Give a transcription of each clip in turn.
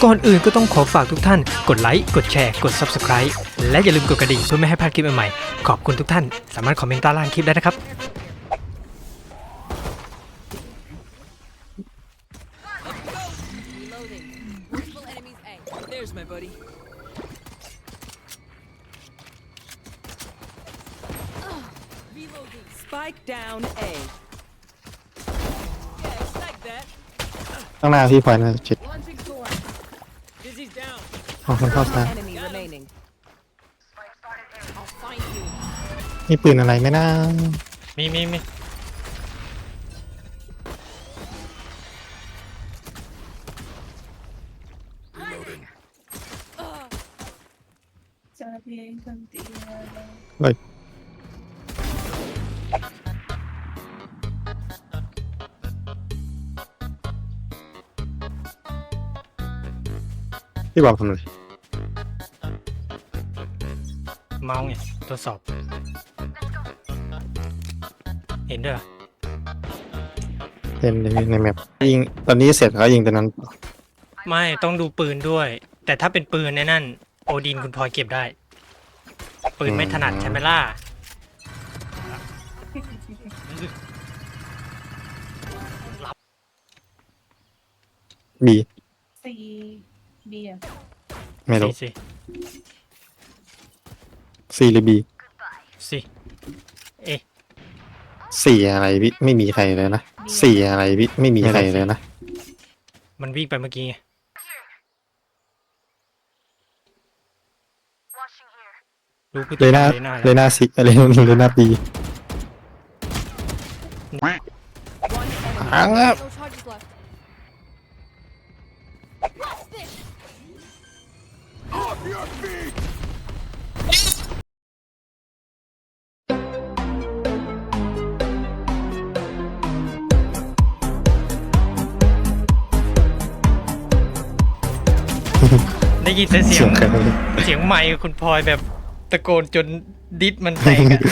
ก่อนอื่นก็ต้องขอฝากทุกท่านกดไลค์กดแชร์กด Subscribe และอย่าลืมกดกระดิ่งเพื่อไม่ให้พลาดคลิปใหม่ๆขอบคุณทุกท่านสามารถคอมเมนต์ใต้ล่างคลิปได้นะครับ There's my buddy. Reloading. Spike down A. Yeah, it's like that. ข้างหน้าพี่พลอยนะจิต Launching sword. Dizzy's down. เอาคนเข้าซ้าย Enemy remaining. I'll find you. นี่ปืนอะไรไหมนะมีจะเพียงคนเดียวเฮ้ยพี่บอกทำอะไรเมาส์ไงทดสอบ เห็นด้วยเหรอเป็นในแมปยิงตอนนี้เสร็จแล้วยิงตอนนั้นไม่ต้องดูปืนด้วย แต่ถ้าเป็นปืนในนั่นโอดินคุณพลอยเก็บได้ ปืนไม่ถนัดใช่ไหมล่ะบีซีเบียร์ไม่รู้สิซีหรือบีสิเอ๊ะสี่อะไรพี่ไม่มีใครเลยนะสี่อะไรพี่ไม่มีใครเลยนะมันวิ่งไปเมื่อกี้ไงรู้กูเลยหน้าเลยหน้าเลยหน้าสิอะไรนี่เลยหน้าบี อ้าว No charges left. ได้ยินแต่เสีเสียยงงใครเสียงไมค์คุณพลอยแบบตะโกนจนดิสมันแตกอะ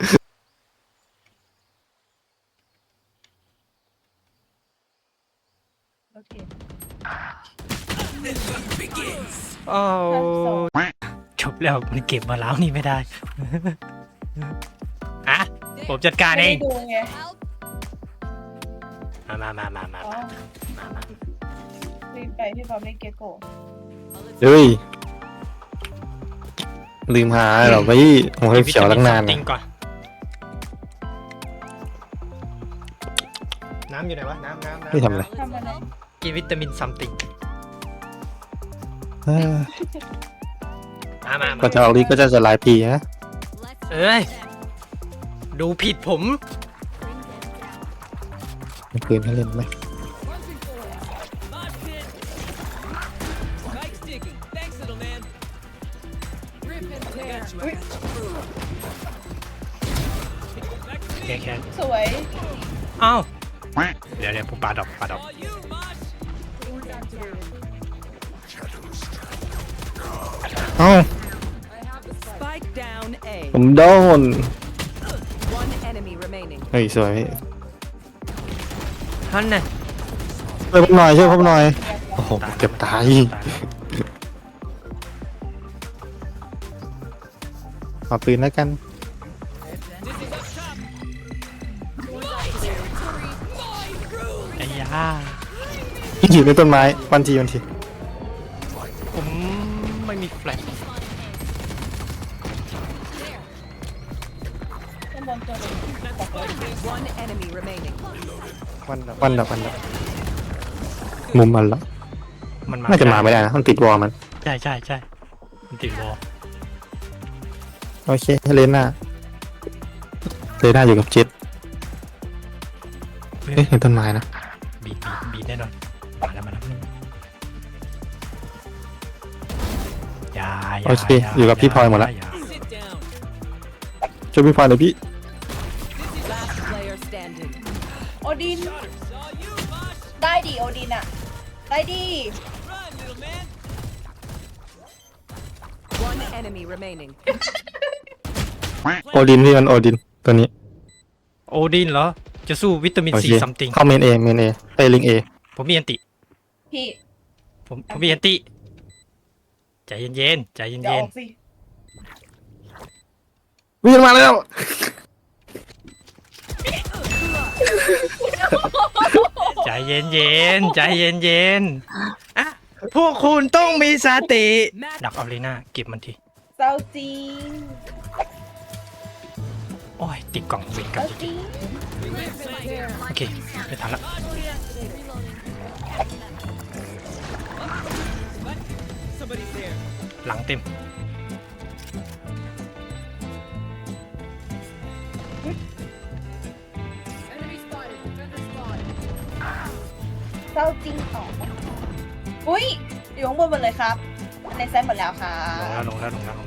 โอเคโอ้จบแล้วมันเก็บมาแล้วนี่ไม่ได้ อะผมจัดการไม่เอได้งดูไงมาอ๋อรีบไปที่เขาไม่เก็ตโกเฮ้ยลืมหาเหรอพี่ผมเคยเขียวตั้งนานตินะงก่อนน้ำอยู่ไหนวะน้ำพี่ทำอะไรทำอะไรกินวิตามินซัมติงเอ้ยมาก็จะออกลีกก็จะหลายปีนะเอ้ยดูผิดผมมีปืนให้เล่นไหม Launching sword. Mosh pit. Spike's digging. Thanks, little man. Rip and tear. แค่สวยอ้าวเดี๋ยวผมปาดอก All you, Mosh. เอ้า Spike down A. ผมโดน One enemy remaining. เฮ้ยสวยพี่ท่านน่ะช่วยผมหน่อยช่วยผมหน่อยโอ้โหเกือบตายขอปืนแล้วกันไอ้ยาอยู่ในต้นไม้วันทีผมไม่มีแฟลชข้างบนตัวหนึง One enemy remaining. วันดับมุมมันละมันมาน่าจะมาไม่ได้นะมันติดวอลมันใช่มันติดวอลโอเคเลน่าอยู่กับเจ็ตเอ๊ะเห็นต้นไม้นะบีแน่นอนมาแล้วอย่าโอเคอยู่กับพี่พลอยหมดละอย่า Sit down. ช่วยพี่พลอยหน่อยพี่ Last player standing. โอดิน Saw you, Mosh. ได้ดิโอดินอะได้ดิ Run, little man. One enemy remaining. โอดินพี่มันโอดินตัวนี้โอดินเหรอ จะสู้วิตามินโอซีเคซัมติงเข้าเมนเอไปลิงเอผมมีอันติพี่ผมมีอันติใจเย็นๆใจอย่าเย็อน อกสิวิ่งมาแล้วๆใจเย็นๆใจเย็นๆอ่ะพวกคุณต้องมีสติดักออรีนาเก็บมันทีเศร้าจริงโอ้ยติดกล่องเวรเศกันร้าจจริริงงๆโอเคไม่ทันละ Somebody's there. หลังเต็มเศร้าจริงต่ออุ้ยอยู่ข้างบนหมดเลยครับ ในไซต์หมดแล้วค่ะลงแล้ว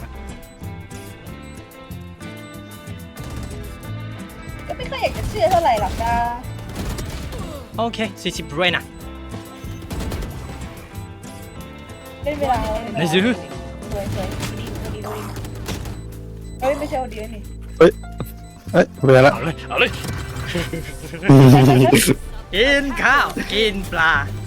ก็ไม่ค่อยอยากจะเชื่อเท่าไหร่หรอกนะโอเค40ด้วยนะเล่นเวลาไหนซื้อสวยเฮ้ยไม่ใช่วันเดียวนี่เอ้ยเวลาละเอาเลยกินข้าวกินปลา